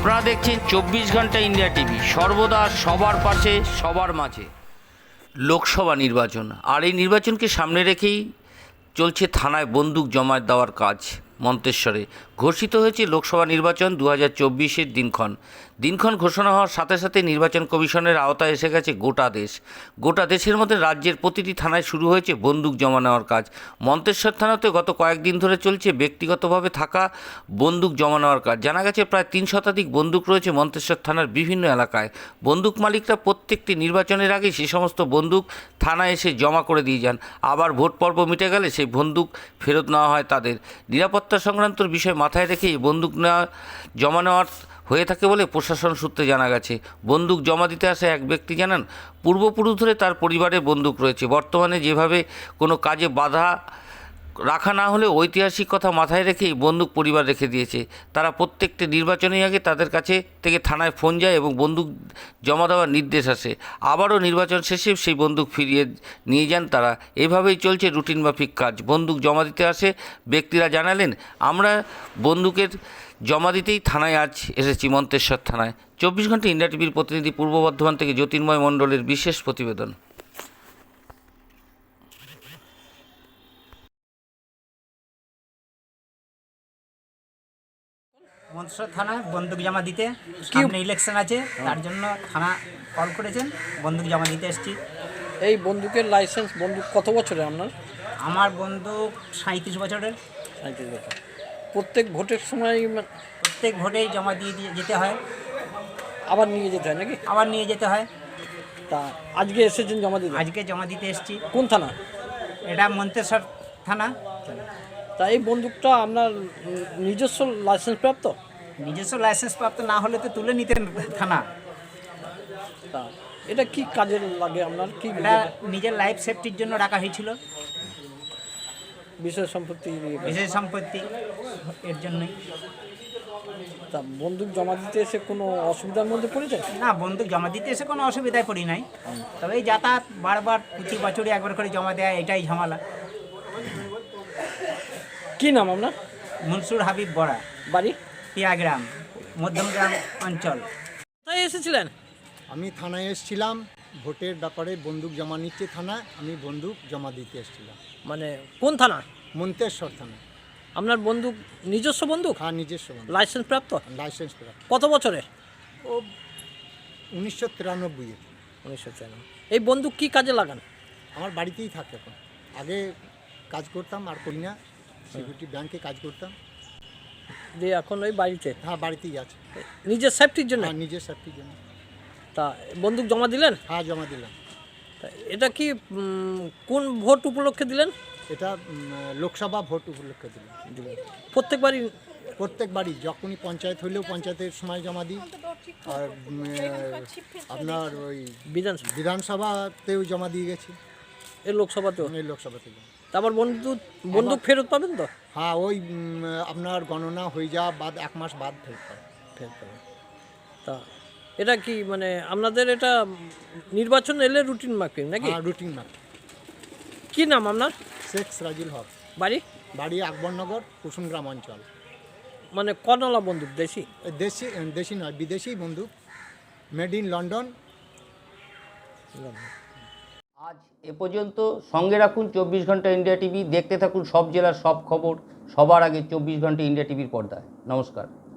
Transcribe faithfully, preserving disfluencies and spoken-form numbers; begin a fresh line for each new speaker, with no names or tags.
আপনারা দেখছেন চব্বিশ ঘন্টা ইন্ডিয়া টিভি, সর্বদা সবার পাশে সবার মাঝে। লোকসভা নির্বাচন, আর এই নির্বাচনকে সামনে রেখেই চলছে থানায় বন্দুক জমা দেওয়ার কাজ। মন্তেশ্বরে ঘোষিত হয়েছে লোকসভা নির্বাচন দু হাজার চব্বিশের দিনক্ষণ। দিনক্ষণ ঘোষণা হওয়ার সাথে সাথে নির্বাচন কমিশনের আওতায় এসে গেছে গোটা দেশ। গোটা দেশের মধ্যে রাজ্যের প্রতিটি থানায় শুরু হয়েছে বন্দুক জমা নেওয়ার কাজ। মন্তেশ্বর থানাতে গত কয়েকদিন ধরে চলছে ব্যক্তিগতভাবে থাকা বন্দুক জমা নেওয়ার কাজ। জানা গেছে প্রায় তিন শতাধিক বন্দুক রয়েছে মন্তেশ্বর থানার বিভিন্ন এলাকায়। বন্দুক মালিকরা প্রত্যেকটি নির্বাচনের আগে সে সমস্ত বন্দুক থানায় এসে জমা করে দিয়ে যান। আবার ভোট পর্ব মিটে গেলে সেই বন্দুক ফেরত নেওয়া হয় তাদের। নিরাপত্তা সংক্রান্ত বিষয় মাথায় রেখে এই বন্দুক নেওয়া জমা নেওয়ার হয়ে থাকে বলে প্রশাসন সূত্রে জানা গেছে। বন্দুক জমা দিতে আসে এক ব্যক্তি জানান, পূর্বপুরুষ ধরে তার পরিবারে বন্দুক রয়েছে। বর্তমানে যেভাবে কোনো কাজে বাধা রাখা না হলে ঐতিহাসিক কথা মাথায় রেখে এই বন্দুক পরিবার রেখে দিয়েছে। তারা প্রত্যেকটি নির্বাচনের আগে তাদের কাছে থেকে থানায় ফোন যায় এবং বন্দুক জমা দেওয়ার নির্দেশ আসে। আবারও নির্বাচন শেষে সেই বন্দুক ফিরিয়ে নিয়ে যান তারা। এভাবেই চলছে রুটিন মাফিক কাজ। বন্দুক জমা দিতে আসে ব্যক্তিরা জানালেন, আমরা বন্দুকের জমা দিতেই থানায় আজ এসেছি, মন্তেশ্বর থানায়। চব্বিশ ঘন্টা ইন্ডিয়া টিভির প্রতিনিধি পূর্ব বর্ধমান থেকে জ্যোতির্ময় মণ্ডলের বিশেষ প্রতিবেদন।
মন্তেশ্বর থানায় বন্দুক জমা দিতে, সামনে ইলেকশন আছে, তার জন্য থানা কল করেছেন, বন্দুক জমা দিতে এসেছি।
এই বন্দুকের লাইসেন্স বন্দুক কত বছরের আপনার?
আমার বন্দুক সাঁইত্রিশ বছরের।
সাঁইত্রিশ বছর। প্রত্যেক ভোটের সময় মা-
প্রত্যেক ভোটেই জমা দিয়ে দিয়ে যেতে হয়,
আবার নিয়ে যেতে হয় নাকি?
আবার নিয়ে যেতে হয়।
তা আজকে এসেছেন জমা দিতে?
আজকে জমা দিতে এসেছি।
কোন থানা?
এটা মন্তেশ্বর থানা।
তা এই বন্দুকটা আপনার উম, নিজস্ব লাইসেন্স প্রাপ্ত?
নিজস্ব লাইসেন্স প্রাপ্ত না হলে তো তুলে নিতেন থানা।
তা এটা কি কাজে লাগে আপনার? কি
এটা নিজের লাইফ সেফটির জন্য রাখা হয়েছিল,
বিষয় সম্পত্তি নিয়ে?
বিশেষ সম্পত্তি এর জন্যই।
তা বন্দুক জমা দিতে এসে কোনো অসুবিধার মধ্যে পড়েছেন?
না, বন্দুক জমা দিতে এসে কোনো অসুবিধায় পড়ি নাই, তবে এই যাতায়াত বারবার প্রতি বছরই একবার করে জমা দেয়, এটাই ঝামেলা।
কি নাম আপনার?
মনসুর হাবিব বড়া,
বাড়ি?
পিয়াগ্রাম, মধ্যমগ্রাম অঞ্চল।
কোথায় এসেছিলেন?
আমি থানায় এসেছিলাম, ভোটের ব্যাপারে বন্দুক জমা নিচ্ছে থানায়, আমি বন্দুক জমা দিতে এসেছিলাম।
মানে কোন থানা?
মন্তেশ্বর থানা।
আপনার বন্দুক নিজস্ব বন্দুক?
হ্যাঁ, নিজস্ব বন্দুক,
লাইসেন্স প্রাপ্ত?
লাইসেন্স করা।
কত বছরের?
ও উনিশশো তিরানব্বইয়ের।
উনিশশো চার। এই বন্দুক কি কাজে লাগান?
আমার বাড়িতেই থাকে এখন। আগে কাজ করতাম, আর করি না, সিকিউরিটি ব্যাংকে কাজ করতাম।
দিয়ে এখন ওই বাড়িতে?
হ্যাঁ, বাড়িতেই আছে।
নিজের সেফটির জন্য?
হ্যাঁ, নিজের সেফটির জন্য।
তা বন্দুক জমা দিলেন?
হ্যাঁ, জমা দিলাম।
তা এটা কি উম, কোন ভোট উপলক্ষে দিলেন?
এটা উম, লোকসভা ভোট উপলক্ষে দিলাম।
দিলেন প্রত্যেকবারই?
প্রত্যেকবারই, যখনই পঞ্চায়েত হইলেও পঞ্চায়েতের সময় জমা দিই, আর উম, আপনার ওই
বিধানসভা?
বিধানসভাতেও জমা দিয়ে গেছি,
এই লোকসভাতেও?
এই লোকসভাতে।
তারপর বন্দুক বন্দুক ফেরত পাবেন তো?
হ্যাঁ, ওই উম, আপনার গণনা হয়ে যাওয়া বাদ এক মাস বাদ ফেরত পাবে।
ফেরত পাবেন। তা এটা কি মানে আপনাদের এটা নির্বাচন এলে রুটিন মাফিক নাকি?
হ্যাঁ, রুটিন না।
কি নাম আপনার?
শেখ সিরাজুল হক,
বাড়ি?
বাড়ি আকবরনগর, কুসুমগ্রাম অঞ্চল।
মানে কনলা বন্দুক? দেশি?
এই দেশি, দেশি নয়, বিদেশি বন্দুক, মেড ইন লন্ডন।
আজ এ পর্যন্ত। সঙ্গে রাখুন চব্বিশ ঘন্টা ইন্ডিয়া টিভি, দেখতে থাকুন সব জেলার সব খবর সবার আগে চব্বিশ ঘন্টা ইন্ডিয়া টিভির পর্দায়। নমস্কার।